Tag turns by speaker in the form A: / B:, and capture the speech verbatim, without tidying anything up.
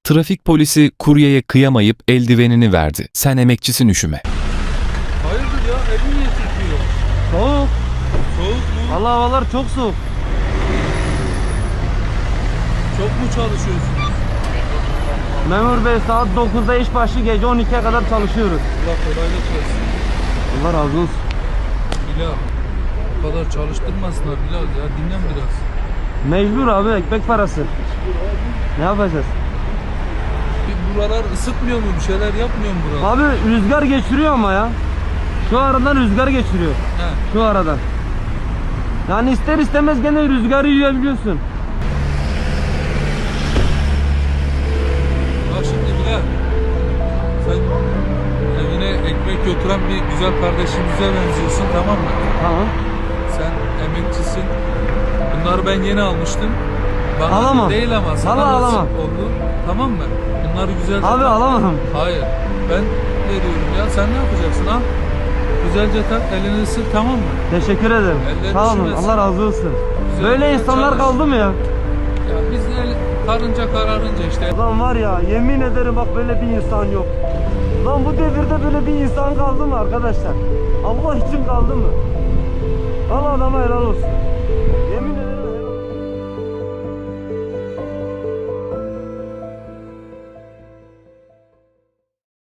A: Trafik polisi kuryeye kıyamayıp eldivenini verdi. Sen emekçisin, üşüme.
B: Hayırdır ya, elin niye titriyor?
C: Soğuk.
B: Soğuk mu?
C: Vallahi havalar çok soğuk.
B: Çok mu çalışıyorsun?
C: Memur bey, saat dokuzda iş başı, gece on ikiye kadar çalışıyoruz.
B: Allah kolaylık versin.
C: Allah razı olsun.
B: Bilal, bu kadar çalıştırmasınlar Bilal ya, dinlen biraz.
C: Mecbur abi, ekmek parası. Ne yapacağız?
B: Bir buralar ısıtmıyor mu, bir şeyler yapmıyor mu buralar?
C: Abi rüzgar geçiriyor ama ya. Şu aradan rüzgar geçiriyor.
B: He.
C: Şu aradan. Yani ister istemez gene rüzgarı yiyebiliyorsun.
B: Bak şimdi Bilal, sen evine ekmek götüren bir güzel kardeşimize benziyorsun, tamam mı?
C: Tamam.
B: Sen emekçisin. Bunları ben yeni almıştım. Bana
C: Alamam.
B: değil ama sana
C: Vallahi
B: nasip
C: alamam.
B: oldu. Tamam mı? Bunları güzelce...
C: Abi
B: tak.
C: alamam.
B: Hayır. Ben veriyorum ya. Sen ne yapacaksın? Al. Güzelce tak. Elini ısır, tamam mı?
C: Teşekkür ederim.
B: Ellerini
C: Sağ olun.
B: üşümesin.
C: Allah razı olsun.
B: Güzel
C: Böyle
B: güzel
C: insanlar
B: çalış.
C: kaldı mı ya?
B: Ya biz el, karınca kararınca işte.
C: Lan var ya, yemin ederim bak, böyle bir insan yok. Lan bu devirde böyle bir insan kaldı mı arkadaşlar? Allah için kaldı mı? Allah adama helal olsun.